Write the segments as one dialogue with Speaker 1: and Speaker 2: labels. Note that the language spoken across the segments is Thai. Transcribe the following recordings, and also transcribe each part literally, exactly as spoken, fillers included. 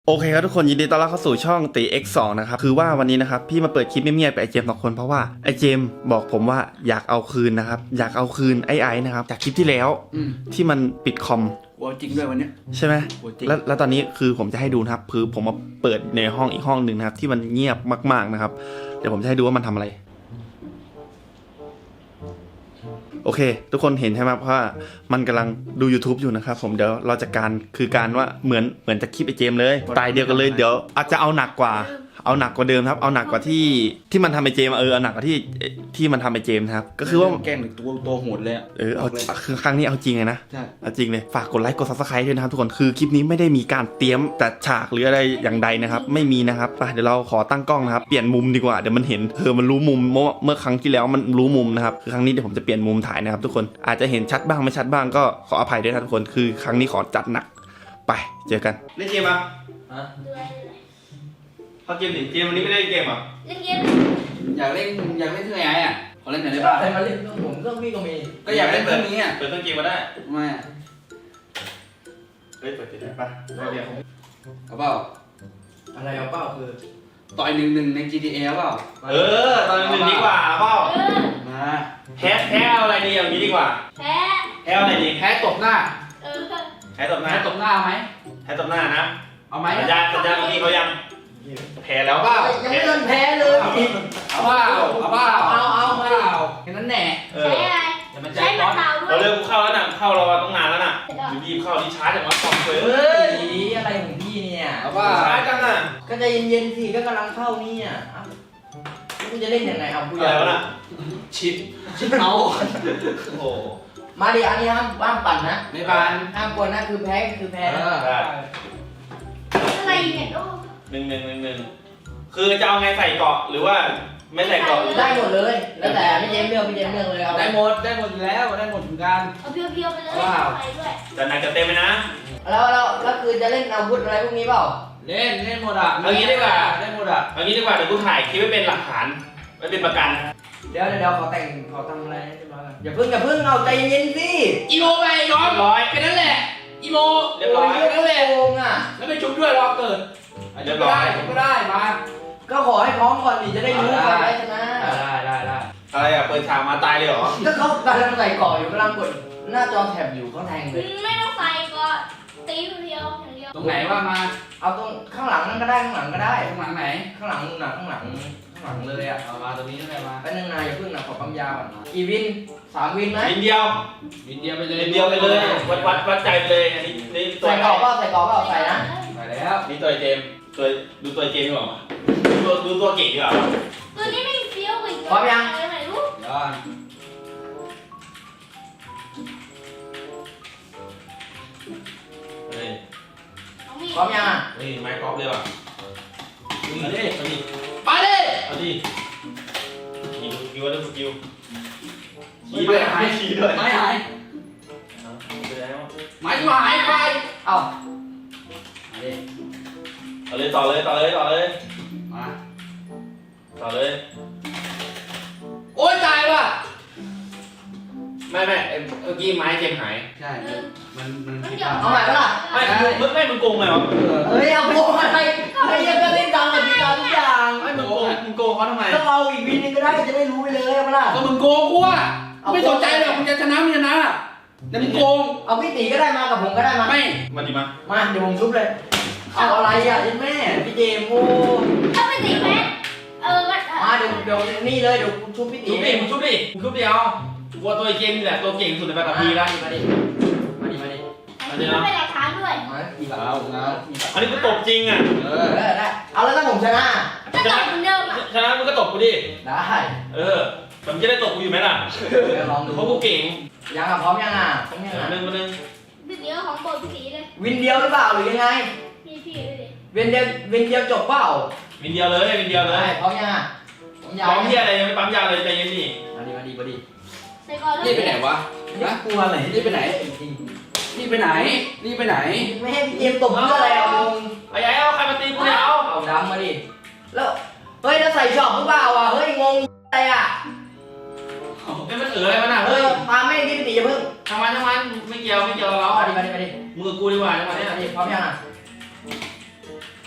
Speaker 1: โอเคครับทุกคนยินดีต้อนรับเข้าสู่ช่องตี เอ็กซ์ สอง นะครับคือว่าวันนี้นะครับพี่มาเปิดคลิปเงียบๆไปไอเจมสองคนเพราะว่าไอเจมบอกผมว่าอยากเอาคืนนะครับอยากเอาคืนไอ้ไอ้นะครับจากคลิปที่แล้วที่มันปิดคอม
Speaker 2: กลัวจริงด้วยวันนี้
Speaker 1: ใช่ไหมแล้วแล้วตอนนี้คือผมจะให้ดูนะครับคือผมมาเปิดในห้องอีกห้องหนึ่งนะครับที่มันเงียบมากๆนะครับเดี๋ยวผมจะให้ดูว่ามันทำอะไรโอเคทุกคนเห็นใช่ไหมเพราะว่ามันกำลังดู YouTube อยู่นะครับผมเดี๋ยวเราจะการคือการว่าเหมือนเหมือนจะคลิปไอเจมเลยสไตล์เดียวกันเลยเดี๋ยวอาจจะเอาหนักกว่าเอาหนักกว่าเดิมครับเอาหนักกว่าที่ที่มันทำไอเจมเออเอาหนักกว่าที่ที่มันทำไอเจมครับก็คือว่า
Speaker 2: แกล้งตัวตัวโหดเลย
Speaker 1: เออเอาคือครั้งนี้เอาจริงเลยนะเอาจริงเลยฝากกดไลค์กดซับสไครต์ด้วยนะครับทุกคนคือคลิปนี้ไม่ได้มีการเตรียมแต่ฉากหรืออะไรอย่างใดนะครับไม่มีนะครับไปเดี๋ยวเราขอตั้งกล้องนะครับเปลี่ยนมุมดีกว่าเดี๋ยวมันเห็นเออมันรู้มุมเมื่อเมื่อครั้งที่แล้วมันรู้มุมนะครับคือครั้งนี้เดี๋ยวผมจะเปลี่ยนมุมถ่ายนะครับทุกคนอาจจะเห็นชัดบ้างไม่ชัดบ้างก็ขออภัยด้วยนะทุกคนคือครั้งนี้ขอจัดหนักไปเจอกันเล่นเกมอ่ะเขาเกมหนิเกมวันนี้ไม่ได้เกมอ่ะ
Speaker 3: เล่นเกม
Speaker 2: อยากเล่นอยากเล่นเครื่องไอ้อ่ะขอเล่นหน่อยได้ป่ะ
Speaker 4: ใครมาเล่นเครื่องผมเครื่องพี่ก็มี
Speaker 2: ก็อยากเล่นเครื่องนี้อ่ะ
Speaker 1: เปิดเครื่องเกมมาได้
Speaker 2: ไม่
Speaker 1: เฮ้ยเปิดติดได้ป่ะได้เดียว
Speaker 2: เอาเปล่า
Speaker 4: อะไรเอาเปล่าคือ
Speaker 2: ต่อยหนึ่งหนึ่งใน จี ที เอ เปล่า
Speaker 1: เออตอนหนึ่งดีกว่าเปล่า
Speaker 2: มา
Speaker 1: แพ้แพ้เอาอะไรดีอย่างนี้ดีกว่า
Speaker 3: แพ้
Speaker 1: แพ้อะไรดี
Speaker 2: แพ้ตบหน้า
Speaker 3: เออ
Speaker 1: แพ้ตบหน้า
Speaker 2: แพ้ตบหน้าไหม
Speaker 1: แพ้ตบหน้านะ
Speaker 2: เอาไหม
Speaker 1: สัญญาสัญญาเมื่อกี้เขายังแพ้แล้ว
Speaker 2: เปล่า
Speaker 4: ยังไม่โดนแพ้เลย
Speaker 2: เอาเปล่าเอาเปล่า
Speaker 4: เอาเอาเปล่า
Speaker 2: แค่นั้นแหละ
Speaker 3: ใช้อะไรใช้มะพร้าวด้วย
Speaker 1: เราเริ่มเข้าแล้วนะเข้ารอต้องนานแล้วนะรีบเข้ารีช้าจากวัดคอมเลย
Speaker 4: เฮ้ยอะไรของพี่เนี่ย
Speaker 2: เอาเปล่า
Speaker 1: ช้าจังอ่ะ
Speaker 4: ก็ใจเย็นๆสิก็กำลังเข้านี่อ่ะคุณจะเล่นยังไงเอาผู้ใหญ่
Speaker 1: แล้วนะ
Speaker 2: ชิดชิดเมา
Speaker 1: โอ้
Speaker 4: มาดิอันนี้ห้ามห้ามปั่นนะ
Speaker 2: ไม่บาน
Speaker 4: ห้ามกวนนะคือแพ้คือแพ้นะ
Speaker 3: อะไรเนี่ยโอ้
Speaker 1: หนึ่งหนึ่งหนึ่งหนึ่งคือจะเอาไงใส่เกาะหรือว่าไม่ใส่เกาะ
Speaker 4: ได้หมดเลยแล้วแต่พี่เจมเลือกพี่เจมเลือกเลยเอา
Speaker 2: ได้หมดได้หมดแล้วได้หมดเหมือนกัน
Speaker 3: เอาเพียวๆไปเลยไปด้วย
Speaker 1: จะหนักจะเต็มไปนะ
Speaker 4: แล้วแล้วแล้วคือจะเล่นอาวุธอะไรพวกนี้เปล่า
Speaker 2: เล่นเล่นหมดอ่ะ
Speaker 1: เอางี้ดีกว่า
Speaker 2: เล่นหมดอ่ะ
Speaker 1: เอางี้ดีกว่าเดี๋ยวกูถ่ายคลิปไว้เป็นหลักฐานไว้เป็นประกัน
Speaker 4: เดี๋ยวเดี๋ยวขอแต่งขอทำอะไรให้ร้อยกันอย่าเพิ่งอย่าเพิ่งเอาใจเย็นสิ
Speaker 2: อีโมไปร้อยร้อยแค่นั้นแหละอีโม
Speaker 1: เรียบร้อย
Speaker 4: แค่นั้นแหละโกงอ่ะ
Speaker 2: แล้วไปชุบด้วยรอเกิด
Speaker 1: เรียบร้อย
Speaker 2: ก็ได้มา
Speaker 4: ก็ขอให้พร้อมก่อนดิจะได้รู้ก่อนได้ชนะ
Speaker 2: ได้ได้ได้
Speaker 1: อะไรอ่ะเปิดฉากมาตายเลยเหรอ
Speaker 4: ก็เขากำลังใส่เกาะอยู่กำลังกดหน้าจอแถบอยู่เขาแทงเลย
Speaker 3: ไม่ต้องใส่ก็ตีเพียวอย่างเดียว
Speaker 2: ตรงไหนว่ามา
Speaker 4: เอาตรงข้างหลังนั่นก็ได้ข้างหลังก็ได้
Speaker 2: ข้างหลังไหน
Speaker 4: ข้างหลังนู่นน่ะข้างหลังข้างหลังเลยอ่ะ
Speaker 2: เอามาตรงนี้ได้มา
Speaker 4: แป๊บนึงนายอย่าเพิ่งนะขอปั๊มยาก่อนนะกี่วินสามวินไหม
Speaker 1: วินเดียว
Speaker 2: วินเดียวไปเลย
Speaker 1: วินเดียวไปเลยวัดวัดวัดใจไปเลยอันนี้นี่
Speaker 4: ใส่เกาะก็ใส่เกาะก็ใส่นะ
Speaker 2: ใส่แล้ว
Speaker 1: นี่ตัวเจมตัวดูตัวเจมดีกว่าดูดูตัวเก่งดีกว่า
Speaker 3: ตัวนี้ไม่เฟี้ยวอีก
Speaker 4: พร้อมยัง
Speaker 3: ไหนรู้
Speaker 2: ย้อน
Speaker 1: เฮ้ย
Speaker 4: พร้อมยังอ่ะ
Speaker 1: เฮ้ยไม้กอล์ฟเลยว่ะเอาดิเอาดิ
Speaker 2: ไปดิ
Speaker 1: เอาดิยิงสกิลด้วยสกิลขี่ด้วยหายขี่ด้วย
Speaker 2: ไม่หายไม่หายไป
Speaker 4: เอา
Speaker 1: เอาเลยต่อเลยต่อเลยต่อเลย
Speaker 2: มา
Speaker 1: ต่อเลย
Speaker 2: โอ๊ยตายว่ะ
Speaker 1: ไม่ไม่เมื่อกี้ไม้เจมหาย
Speaker 2: ใช่มันมันผิด
Speaker 4: เอาใหม่ก็ล่ะ
Speaker 1: ไม่มึงไม่มึงโกงไงวะ
Speaker 4: เฮ้ยเอาโกงอะไรไม่ยังก็เล่นตามกติกาทุกอย่าง
Speaker 1: ไม่มึงโกงมึงโกงเขาทำไม
Speaker 4: ต้องเอาอีกวินนึงก็ได้จะได้รู้ไปเลยเอาล่ะ
Speaker 2: ก็มึงโกงกูอ่ะไม่สนใจหรอกมึงจะชนะมึงชนะแต่มึงโกง
Speaker 4: เอาพี่ตีก็ได้มากับผมก็ได้มา
Speaker 2: ไม่
Speaker 1: มาดิมา
Speaker 4: มาเดี๋ยวผมชุบเลยเอาอะไรอ่ะยันแม่พี่เจมโอ้
Speaker 3: ถ้าไม่ตีแพ้เออ
Speaker 4: มาเดี๋ยวเดี๋ยวนี่เลยเดี๋ยวชุบพี่ตี
Speaker 1: ชุบดิมึงชุบดิมึงชุบดิเอาวัวตัวเกมนี่แหละตัวเก่งสุดในปัตตภีแล้ว
Speaker 4: มาดิมาดิมาดิ
Speaker 3: มาดิไม่ได้ท้าด้วย
Speaker 2: เอาเอา
Speaker 1: อันนี้กูตบจริงอ่ะ
Speaker 4: เออได้เอาแล้วถ้าผมชนะ
Speaker 3: ก็ตบเหมือนเดิมอ่ะ
Speaker 1: ชนะมึงก็ตบกูดิ
Speaker 4: ได้
Speaker 1: เออผมจะได้ตบกูอยู่ไหมล่ะ
Speaker 4: ลองดู
Speaker 1: เพราะกูเก่ง
Speaker 4: ยังอ่ะพร้อมยังอ่ะพร้อมยังอ่ะ
Speaker 1: หนึ่งมาหนึ่ง
Speaker 3: วินเดียวของโบพี่ตีเลย
Speaker 4: วินเดียวหรือเปล่าหรือยังไง
Speaker 3: พี่พี่เลยดิ
Speaker 4: วินเดียววินเดียวจบเปล่า
Speaker 1: วินเดียวเลยวินเดียวเลย
Speaker 4: พร้อมยังอ่ะ
Speaker 1: พร้อมที่อะไรยังไม่ปั๊มยาเลยใจเย็นดิ
Speaker 4: มาดิมาดิมาดิ
Speaker 2: นี่ไปไหนวะ
Speaker 4: น่ากลัวอะไร
Speaker 2: นี่ไปไหนนี่ไปไหนนี่ไปไหน
Speaker 4: ไม่ให้พี่เจมตบเพื่ออะไรเอา
Speaker 1: ไอ้ไอ้เอาใครมาตีกูเนี่ยเอา
Speaker 4: เอาดำมาดิแล้วเฮ้ยแล้วใส่ช็อปหรือเปล่าอ่ะเฮ้ยงงอะไรอ่ะ
Speaker 1: นี่มันเอ๋ออะไรมันอ่ะ
Speaker 4: เฮ้ยมาไม่ดิพี่ตีอย่าเพิ่ง
Speaker 1: ทำมันทำมันไม่เกี่ยวไม่เกี่ยวเรา
Speaker 4: มาดิมาดิมาดิ
Speaker 1: มือกูดีกว่าจังหวะนี้
Speaker 4: มาดิพร้อมยังอ่ะ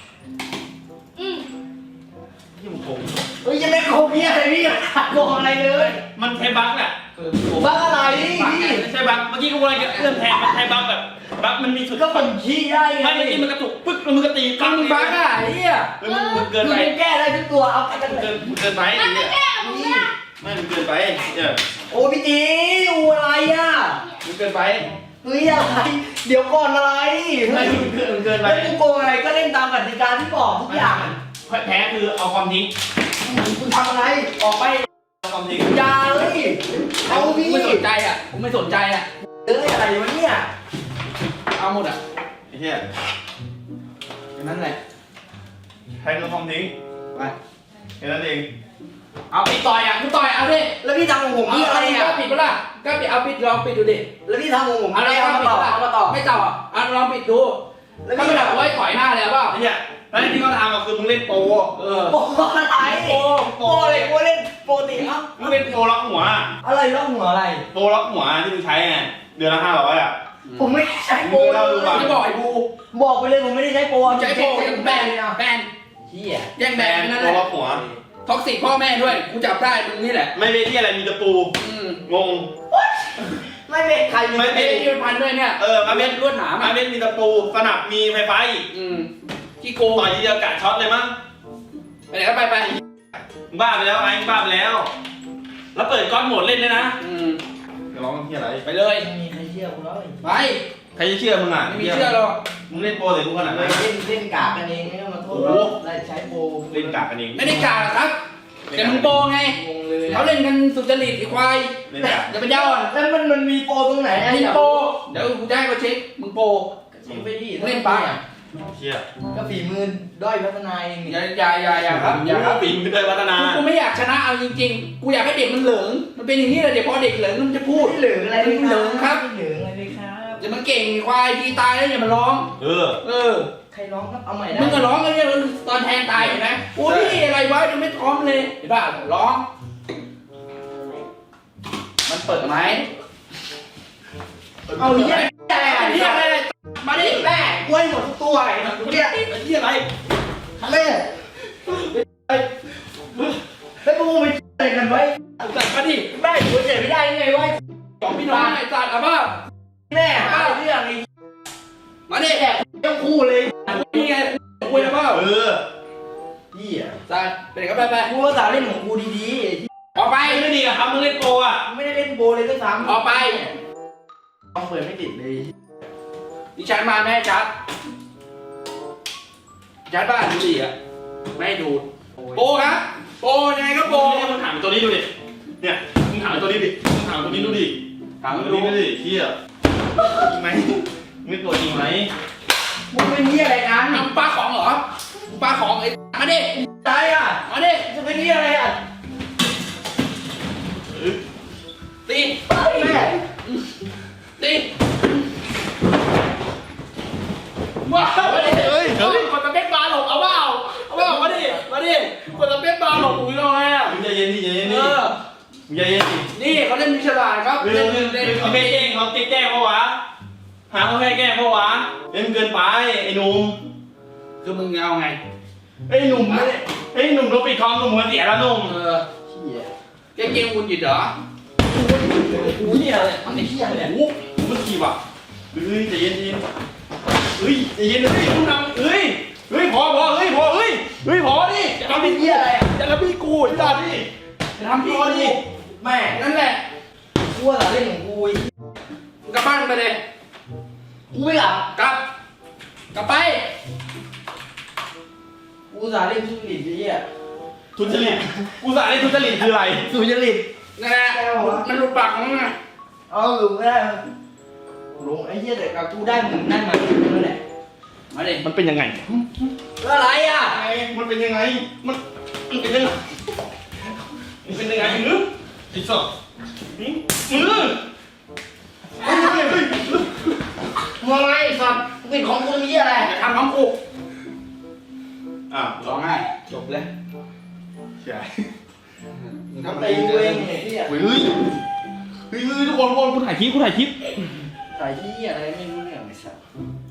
Speaker 4: โกงอะไรเลย
Speaker 1: มันใช้บั๊กแหละ
Speaker 4: บ้าอะไร
Speaker 1: บั๊ก
Speaker 4: พี่
Speaker 1: ไม่ใช่บั๊กเมื่อกี้กูอะไรกับเอื้อมแทนมันใช้บั๊กแบบบั๊กมันมีสุด
Speaker 4: ก็มันขี้ได้ไง
Speaker 1: ไม่เมื่อกี้มันกระตุกปึ๊กแล้วมันก็ตี
Speaker 2: ฟังมึงบ้าอ่ะไอ้เหี้ย
Speaker 1: เฮ้ยมันมันเกิน
Speaker 4: คือ
Speaker 1: ไป
Speaker 4: มันแก้ได้ทุกตัวเอาไปกัน
Speaker 1: มัน
Speaker 4: เล
Speaker 1: เกิ
Speaker 4: ย
Speaker 1: นมันเกินไป
Speaker 3: มันไม่
Speaker 1: เนี่ย
Speaker 3: แก้กับมึงนะ
Speaker 1: ไม่มันเกินไปเนี่ย
Speaker 4: โอ้พี่จีอูอะไรอ่ะ
Speaker 1: มันเกินไป
Speaker 4: เฮ้ยอะไรเดี๋ยวก่อนอะไร
Speaker 1: ไม่มันเกินมันเกินไป
Speaker 4: แล้วกูโกงอะไรก็เล่นตามกติกาที่บอกทุกอย่าง
Speaker 1: แพ้คือเอาความทิ้ง
Speaker 4: คุณทำอะไรออกไป
Speaker 1: เอาความทิ้ง
Speaker 4: อย่าเลยเอา
Speaker 2: กู
Speaker 4: พี่
Speaker 2: ไม่สนใจอ่ะกูไม่สนใจอ่ะ
Speaker 4: เอ้ยอะไรวะเนี่ย
Speaker 2: เอาหมดอ่ะ
Speaker 1: ไอ้เหี้ย
Speaker 2: อย่างนั้นแหละ
Speaker 1: แพ้คือความทิ้ง
Speaker 2: ไป
Speaker 1: แค่นั้นเอง
Speaker 2: เอาปิดต่อยอ่ะกูต่อยเอาดิ
Speaker 4: แล้วพี่ทำของผม
Speaker 2: เอา
Speaker 4: พี่
Speaker 2: อะ
Speaker 4: อะไร ไร
Speaker 2: อ่ะ
Speaker 4: อ่ะ
Speaker 2: ปิดปะล่ะก็ปิดเอาปิดลองปิดดูดิ
Speaker 4: แล้วพี่ทำของผม
Speaker 2: เอา
Speaker 4: อะไร
Speaker 2: ลอง
Speaker 4: เอา
Speaker 2: ปิ
Speaker 4: มา
Speaker 2: ด
Speaker 4: ต่อ
Speaker 2: ปะล่ะ
Speaker 4: เอามาต่อ
Speaker 2: ไม่ต่ออ่ะเอาลองปิดดู
Speaker 4: แล้ว
Speaker 2: ถ้า
Speaker 4: พี่
Speaker 2: ไม่
Speaker 4: ทำ
Speaker 2: แบบไว้ถอยหน้าเลยเปล่า
Speaker 1: ไอ้เหี้ยแล้วที่เขาทำอะคือมึงเล่นโปร
Speaker 2: เออ
Speaker 4: โปอะไรโปโปเลยกูเล่นโปรติเอ้า
Speaker 1: มึงเล่นโปรล็อกหัว
Speaker 4: อะไรล่องหัวอะไร
Speaker 1: โปรล็อกหัวที่มึงใช้ไงเดือนละห้าร้อยอ่ะ
Speaker 4: ผมไม่ใช้โปร
Speaker 1: มึงเล่าดู
Speaker 4: เลย
Speaker 1: ว่ะ
Speaker 2: ไม่บอกไอ้บู
Speaker 4: บอกไปเลยผมไม่ได้ใช้โปร
Speaker 2: ใช้โปรแบนแบน
Speaker 4: เฮีย
Speaker 2: แย่งแบนนั่น
Speaker 1: โป
Speaker 2: แห
Speaker 1: ร
Speaker 2: ละ
Speaker 1: ล็อกหัว
Speaker 2: ท็อกซิกพ่อแม่ด้วยกูจับได้มึงนี่แหละ
Speaker 1: ไม่เล่นที่อะไรมีตะปู
Speaker 2: อืม
Speaker 1: งง
Speaker 4: ไม่เป็นใคร
Speaker 1: ไม่
Speaker 2: ไอ้ที่มันพันด้วยเนี่ย
Speaker 1: เออมาเม็ด
Speaker 2: ลวดหนาม
Speaker 1: มา
Speaker 2: อ่ะ
Speaker 1: เม็ดมีตะปูสนับมีไฟฟ้าอีก
Speaker 2: อืมที่โกง
Speaker 1: ต่อยทีเดียวกะช็อตเลยมั้ง
Speaker 2: ไปไหนก็ไปไป
Speaker 1: มึงบ้าไปแล้วไอ้มึงบ้าไปแล้ว แล้วเปิดก้อนโหมดเล่นด้วยนะ
Speaker 2: อืม
Speaker 1: จะร้องที่อะไร
Speaker 2: ไปเลย
Speaker 4: ไม่มีใครเชื่อกูแล้ว
Speaker 2: ไป
Speaker 1: ใครจะเชื่อมึงอ่ะ
Speaker 2: ไม่มีเชื่อหรอก
Speaker 1: มึงเล่นโปรใส่กูขนาด
Speaker 4: เล
Speaker 1: นั้น
Speaker 4: ยเล่นเล่นกากกันเองไม่ต้องมาโทษ
Speaker 1: โอ้โห
Speaker 4: ได้ใช้โปร
Speaker 1: เล่นกากกันเอง
Speaker 2: ไม่ได้กล่าวหรอกครับแต่มึงโปไง
Speaker 4: งงเลย
Speaker 2: เขาเล่นกันสุจริตไอ้ควาย
Speaker 1: เล่นกาก
Speaker 2: อย่าไปย่อ
Speaker 4: แล้วมันมันมีโปรตรงไหนอ่ะ
Speaker 2: มึงโปเดี๋ยวกูจะให้เขาเช็คมึงโป
Speaker 4: เช็คไปดิ
Speaker 2: เล่นไปอ่ะ
Speaker 1: เชี่ย
Speaker 4: ก็ฝีมือด้อยพัฒนาเอง
Speaker 2: อย่าอย่าอย่าอย่าครับอย่าครับ
Speaker 1: ปีมึงเคยพัฒนา
Speaker 2: กูไม่อยากชนะเอาจริงๆ กูอยากให้เด็กมันเหลิง มันเป็นอย่างนี้แหละเดี๋ยวพอเด็กเหลิงมันจะพูด
Speaker 4: ไม่เหลืองอะไรเลย
Speaker 2: ไม่เหลืองครับ
Speaker 4: ไม่เหลืองอะไรเลยครับ
Speaker 2: อย่ามันเก่งควายทีตายแล้วอย่ามาร้อง
Speaker 1: เออ
Speaker 2: เออ
Speaker 4: ใครร้องครับเอาใหม่ได้
Speaker 2: มึงก็ร้องกันเนี่ยตอนแทงตายเห็นไหมโอ้พี่อะไรวะยังไม่พร้อมเลยเห็นป่ะร้อง มันเปิดไหม
Speaker 4: เอาเหี้ยอะไรอ่ะ
Speaker 2: เรียกอะไรเลยมาดิ
Speaker 4: แม่กล้วยหมดทุกตัวไอ้มันเนี่ย
Speaker 1: ไอ้เหี้ยอะไร
Speaker 4: แม่แล้วพวกมึงไปอะไรกันไว้
Speaker 2: มาดิ
Speaker 4: แม่กูเจ็บไม่ได้ยังไงวะ
Speaker 2: สองพี่น้องไอ้สัตว์อ่ะบ้า
Speaker 4: แม่หาเรื่องไอ้
Speaker 2: มาดิ
Speaker 4: แอบต้องคู่เลย
Speaker 2: นี่ไงคุยแล้วเปล่า
Speaker 1: เออ
Speaker 4: เหี้ย
Speaker 2: สัตว์ไปไหนก็ไปไป
Speaker 4: กูภาษาเล่นของกูดี
Speaker 2: ออกไป
Speaker 1: ไอ้ไม่ดีกับเขามึงเล่นโปรอ่ะ
Speaker 4: ๆไม่ได้เล่นโบเลยด้วยซ้ำ
Speaker 2: ออกไป
Speaker 4: ต้องเปิดไม่ติดเลย
Speaker 2: ดิฉันมาแม่ชัดชัดบ้านดูดิอ่ะไม่ให้ดูดโปครับโปยังไงก็โป
Speaker 1: เนี่ยมึงถามตัวนี้ดูดิ เนี่ยมึงถามตัวนี้ดิมึงถามตัวนี้ดูดิ
Speaker 2: ถาม
Speaker 1: ตัว
Speaker 2: ดู
Speaker 1: นี้ดูดิเหี้ยจริงไหมไม่ตัวจริงไหม
Speaker 4: มึงเป็นเหี้ยอะไรกัน
Speaker 2: ทำปลาของเหรอปลาของไอ้มาดิ
Speaker 4: ตายอ่ะ
Speaker 2: มาดิ
Speaker 4: จะเป็นเหี้ยอะไรอ่ะ
Speaker 2: ตี
Speaker 4: แม่
Speaker 2: ตีว้าวมาดิเฮ้ยเฮ้ยคนตะเพ็ดปลาหลบเอาเปล่าเอาเปล่ามาดิมาดิคนตะเพ็ดปลาหลบอุ้ยเอาไงอ่ะ
Speaker 1: มึงใจเย็นดิใจเย็น
Speaker 2: เอ
Speaker 1: ดิ
Speaker 2: อ
Speaker 1: มึงใจเย็นดิ
Speaker 2: นี่เขาเล่นมีฉลาดครับ
Speaker 1: เล่
Speaker 2: เล่
Speaker 1: น
Speaker 2: น
Speaker 1: เล่น
Speaker 2: เล่น
Speaker 1: เขาไม่แกล้งเขาแกล้งเพราะวะหาเขาแค่แกล้งเพราะวะเล่นเกินไปไอ้หนุ่ม
Speaker 2: คือมึงเอาไง
Speaker 1: ไอ้หนุ่มไอ้หนุ่มโดนปิดคอมหนุ่มหัวเสียแล้วหนุ่ม
Speaker 2: เออ
Speaker 4: เหี้ย
Speaker 2: แกเกมคุณหยุดเหรอ
Speaker 4: กูเนี่ยมันไอ้เหี้ยเนี่ย
Speaker 1: โอ้โหมันขี่ว่ะเฮ้ยใจเย็นใจเย็นเฮ้ยใจเย็นเลยมึงทำเฮ้ยเฮ้ยพอพอเฮ้ยพอเฮ้ยเฮ้ยพอดิ
Speaker 2: จะทำเป็นเหี้ยอะไรอ่ะจะทำพี่กูไอ้สัตว์
Speaker 1: ดิ
Speaker 2: จะทำพี่
Speaker 1: พอดิ
Speaker 2: กู
Speaker 4: แม่
Speaker 2: นั่นแหละ
Speaker 4: กูภาษาเล่นของกูไอ้
Speaker 2: มึงกลับบ้านไปเลย
Speaker 4: กูไม่หลับ
Speaker 2: กลับ กลับไป
Speaker 4: กูภาษาเล่นสุจริตไอ้เหี้ย
Speaker 1: ทุจริตกูสาเล่นทุจริตคืออะไร
Speaker 4: สุจริต
Speaker 2: นั่นแหละมันหลุดปากของมึงอะ
Speaker 4: เอาหลุมไม่ได้หลงไอ้เหี้ยแต่กับกูได้มึงได้มานั่นแหละ
Speaker 2: มาดิ
Speaker 1: มันเป็นยังไง
Speaker 4: แล้วอะไรอ่ะ
Speaker 1: มันเป็นยังไงมันมันเป็นยังไงมันเป็นยังไงหรือไอ้สัสมือมือเฮ้ยเฮ้ยเฮ้ย
Speaker 4: มึงอะไรสัตว์มึงเป็นของกูมีอะไร
Speaker 2: อย่าทำน้องกู
Speaker 1: อ่ะ
Speaker 2: ร้องไห้จบเลย
Speaker 1: ใช่
Speaker 2: มึง
Speaker 4: ทำ
Speaker 2: ทำ
Speaker 4: ตี
Speaker 2: ตี
Speaker 4: กู
Speaker 2: กู
Speaker 4: เอ
Speaker 2: เอง ง
Speaker 4: เนี่ยพี่
Speaker 1: เฮ้ยเฮ้ยเฮ้ยเฮ้ยทุกคนทุกคนกูถ่ายคลิปกูถ่ายคลิป
Speaker 4: สายที่อะไรไม่รู้เรื่องไอ้สัตว์